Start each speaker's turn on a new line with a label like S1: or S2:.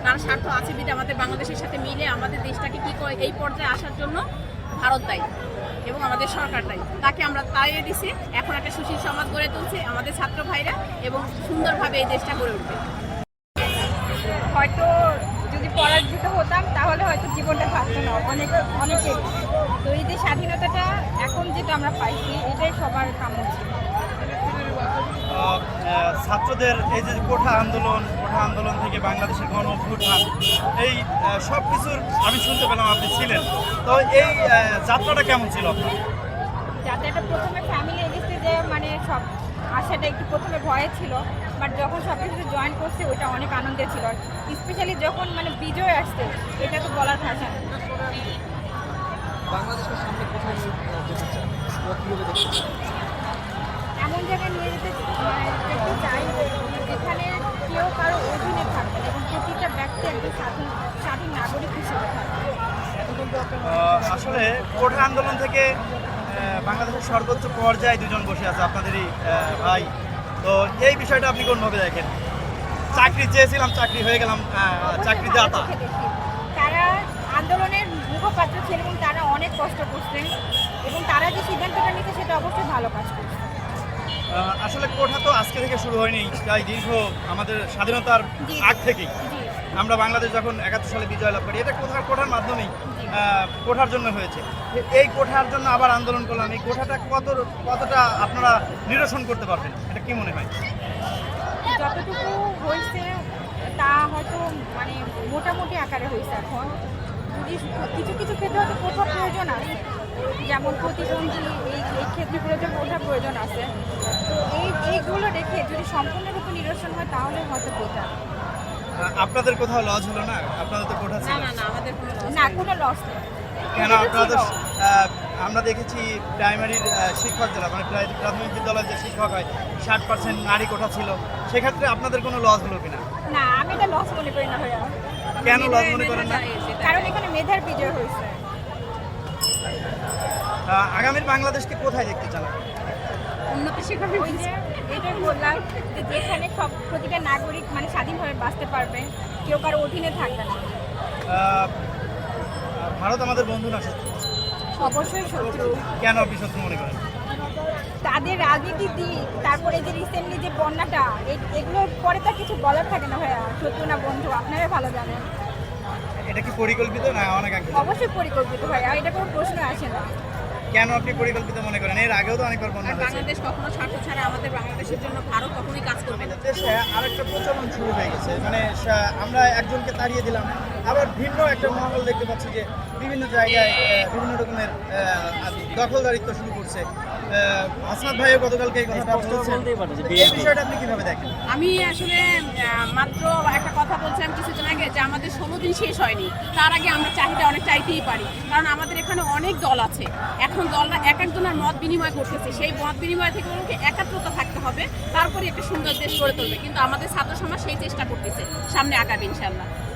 S1: তার স্বার্থ আছে বিধে আমাদের বাংলাদেশের সাথে মিলে আমাদের দেশটাকে কি করে এই পর্যায়ে আসার জন্য ভারত দায়ী এবং আমাদের সরকার দায়ী। তাকে আমরা তাড়িয়ে দিছি, এখন একটা সুশীল সমাজ গড়ে তুলছে আমাদের ছাত্র ভাইরা এবং সুন্দরভাবে এই দেশটা গড়ে উঠবে।
S2: হয়তো যদি পরাজিত হতাম তাহলে হয়তো জীবনটা থাকতো না অনেকে। তো এই যে স্বাধীনতাটা এখন যেটা আমরা পাইছি এটাই সবার কাম্য ছিল।
S3: ছাত্রদের এই যে কোঠা আন্দোলন থেকে বাংলাদেশের গণ অভ্যুত্থান, এই সব কিছুর আমি শুনতে পেলাম আপনি ছিলেন, তো এই যাত্রাটা কেমন ছিল আপনার?
S2: যাত্রাটা প্রথমে ফ্যামিলি এগেস্টে যে মানে সব আশাটা একটু প্রথমে ভয়ে ছিল, বাট যখন সব কিছুতে জয়েন করছে ওইটা অনেক আনন্দের ছিল। স্পেশালি যখন মানে বিজয় আসছে এটা তো বলার ভাষা না।
S4: বাংলাদেশের সামনে কোথায় যেতে চান বা কীভাবে দেখতে চান?
S2: এমন জায়গায় নিয়ে যেতে দেখতে চাই যেখানে কেউ কারো অধীনে থাকবে এবং প্রতিটা ব্যক্তি একজন স্বাধীন নাগরিক হিসেবে থাকবে।
S3: আসলে কোঠা আন্দোলন থেকে বাংলাদেশের সর্বোচ্চ পর্যায়ে দুজন বসে আছে আপনাদেরই ভাই, তো এই বিষয়টা আপনি কোনভাবে দেখেন? চাকরি চেয়েছিলাম, চাকরি হয়ে গেলাম চাকরি দাতা।
S2: তারা আন্দোলনের মুখপাত্র ছিল এবং তারা অনেক কষ্ট করছেন এবং তারা যে সিদ্ধান্তটা নিচ্ছে সেটা অবশ্যই ভালো কাজ করছে।
S3: আসলে কোঠা তো আজকে থেকে শুরু হয়নি, তাই দীর্ঘ আমাদের স্বাধীনতার আগ থেকেই আমরা বাংলাদেশ যখন 71 সালে বিজয় লাভ করি, এটা কোঠার মাধ্যমেই কোঠার জন্য হয়েছে। এই কোঠার জন্য আবার আন্দোলন করলাম, এই কোঠাটা কতটা আপনারা নিরসন করতে পারবেন, এটা কি মনে হয়?
S2: যতটুকু হয়েছে তা হয়তো মানে মোটামুটি আকারে হয়েছে। এখন যদি কিছু কিছু ক্ষেত্রে হয়তো কোঠা প্রয়োজন আছে, যেমন প্রতিবন্ধী এই ক্ষেত্রগুলোতে কোঠা প্রয়োজন আছে। তো এইগুলো রেখে যদি সম্পূর্ণরূপে নিরসন হয় তাহলে হয়তো কোঠা।
S3: আপনাদের কোথাও লজ হলো না? আপনাদের তো কোঠা ছিল।
S1: না আমাদের
S2: না, কোনো লস নেই।
S3: কেন আপনাদের আমরা দেখেছি প্রাইমারির শিক্ষক যারা মানে প্রাথমিক বিদ্যালয়ের যে শিক্ষক হয় 60% নারী কোঠা ছিল, সেক্ষেত্রে আপনাদের কোনো লস হলো কিনা?
S2: না, আমি এটা লস মনে করি না ভাইয়া।
S3: কেন লস মনে করেন না?
S2: কারণ এখানে মেধার বিজয় হয়েছে।
S3: আগামীর বাংলাদেশকে কোথায় দেখতে চান?
S1: উন্নতি শিক্ষা
S2: ওই যে এটাই বললাম যে যেখানে সব প্রতিটা নাগরিক মানে স্বাধীনভাবে বাঁচতে পারবে, কেউ কারো অধীনে থাকবে না।
S3: ভারত আমাদের বন্ধু না শত্রু?
S2: অবশ্যই শত্রু।
S3: কেন আপনি শত্রু মনে করেন?
S2: তাদের রাজনীতির দিক, তারপরে যে রিসেন্টলি যে বন্যাটা, এগুলোর পরে তার কিছু বলার থাকে না ভাইয়া, শত্রু না বন্ধু আপনারা ভালো জানেন।
S3: এটা কি পরিকল্পিত না অনাকাঙ্ক্ষিত?
S2: অবশ্যই পরিকল্পিত ভাইয়া, এটা কোনো প্রশ্ন আসে না।
S3: কেন আপনি পরিকল্পিত মনে করেন? এর আগেও তো অনেকবার বন্যা হয়েছে।
S1: বাংলাদেশ কখনো স্বার্থ ছাড়া আমাদের বাংলাদেশের জন্য ভারত কখনোই কাজ করবে না।
S3: দেশে আরেকটা প্রচলন শুরু হয়ে গেছে, মানে আমরা একজনকে তাড়িয়ে দিলাম, আবার ভিন্ন একটা মহল দেখতে পাচ্ছি যে বিভিন্ন জায়গায় বিভিন্ন রকমের দখলদারিত্ব শুরু করছে। হাসনাত ভাইও গতকালকে এই কথাটা বলছেন, এই বিষয়টা আপনি কিভাবে দেখেন?
S1: আমি আসলে মাত্র একটা কথা বলছিলাম কিছুদিন আগে যে আমাদের 16 দিন শেষ হয়নি, তার আগে আমরা চাহিদা অনেক চাইতেই পারি, কারণ আমাদের এখানে অনেক দল আছে। এখন দলরা এক একজনের মত বিনিময় করতেছে, সেই মত বিনিময় থেকে ওকে একাত্রতা থাকতে হবে, তারপরে একটা সুন্দর দেশ গড়ে তুলবে। কিন্তু আমাদের ছাত্র সমাজ সেই চেষ্টা করতেছে, সামনে আগাবে ইনশাআল্লাহ।